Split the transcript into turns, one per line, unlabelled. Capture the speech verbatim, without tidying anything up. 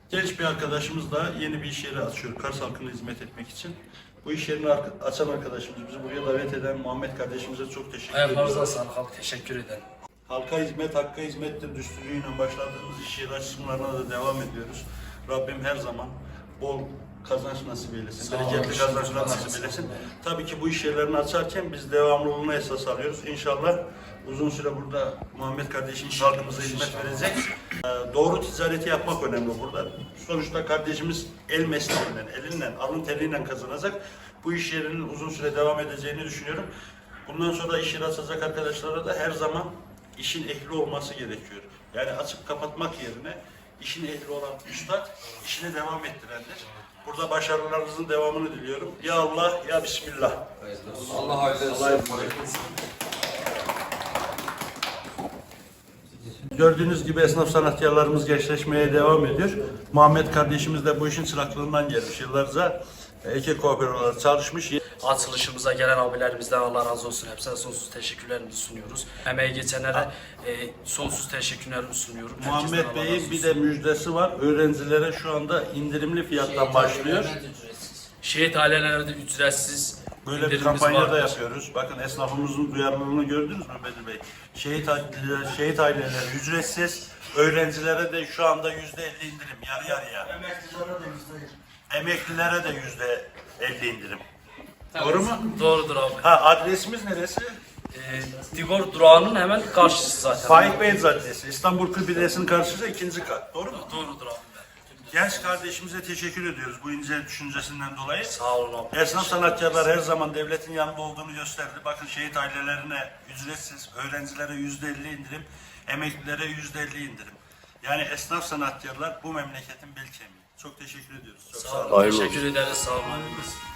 Genç bir arkadaşımız da yeni bir iş yeri açıyor Kars halkına hizmet etmek için. Bu iş yerini açan arkadaşımız, bizi buraya davet eden Muhammed kardeşimize çok teşekkür ediyoruz.
Ayaklarınıza sağlık abi, teşekkür ederim.
Halka hizmet, hakka hizmettir düsturuyla başladığımız iş yeri açılımlarına da devam ediyoruz. Rabbim her zaman bol kazanç nasip eylesin, bereketli kazançlar nasip eylesin. Tabii ki bu iş yerlerini açarken biz devamlılığına esas alıyoruz. İnşallah uzun süre burada Muhammed kardeşimiz halkımıza hizmet verecek. Ee, doğru ticareti yapmak önemli burada. Sonuçta kardeşimiz el mesleğinden, elinden, alın teriyle kazanacak. Bu iş yerinin uzun süre devam edeceğini düşünüyorum. Bundan sonra iş yeri açacak arkadaşlara da her zaman işin ehli olması gerekiyor. Yani açıp kapatmak yerine işin ehli olan üstad işine devam ettirendir. Burada başarılarınızın devamını diliyorum. Ya Allah, ya Bismillah.
Allah hayırlı olsun.
Gördüğünüz gibi esnaf sanatkarlarımız gençleşmeye devam ediyor. Muhammed kardeşimiz de bu işin çıraklığından gelmiş. Yıllarca Eke Kooperatifi olarak çalışmış.
Açılışımıza gelen abilerimizden Allah razı olsun. Hepsine sonsuz teşekkürlerimizi sunuyoruz. Emeği geçenlere e, sonsuz teşekkürlerimi sunuyorum.
Muhammed
Herkesten Allah razı
Bey'in bir
olsun.
de müjdesi var. Öğrencilere şu anda indirimli fiyattan başlıyor.
Şehit ailelerde ücretsiz
Böyle bir
indirimimiz
kampanya da
vardır.
yapıyoruz. Bakın esnafımızın duyarlılığını gördünüz mü Bedir Bey? Şehit, aileleri- şehit aileleri ücretsiz, öğrencilere de şu anda yüzde elli indirim, yarı yarıya. Emeklilere de yüzde Emeklilere de yüzde elli indirim. Doğru mu?
Doğrudur abi.
Ha, adresimiz neresi?
E, Digor durağının hemen karşısı zaten.
Faik Bey Caddesi, İstanbul Kırbilesi'nin karşısında ikinci kat. Doğru mu?
Doğrudur abi.
Genç kardeşimize teşekkür ediyoruz bu ince düşüncesinden dolayı.
Sağ olun abi.
Esnaf sanatkarlar her zaman devletin yanında olduğunu gösterdi. Bakın şehit ailelerine ücretsiz, öğrencilere yüzde elli indirim, emeklilere yüzde elli indirim. Yani esnaf sanatkarlar bu memleketin bel kemiği. Çok teşekkür ediyoruz. Çok sağ olun.
Sağ olun. Teşekkür ederiz. Sağ olun.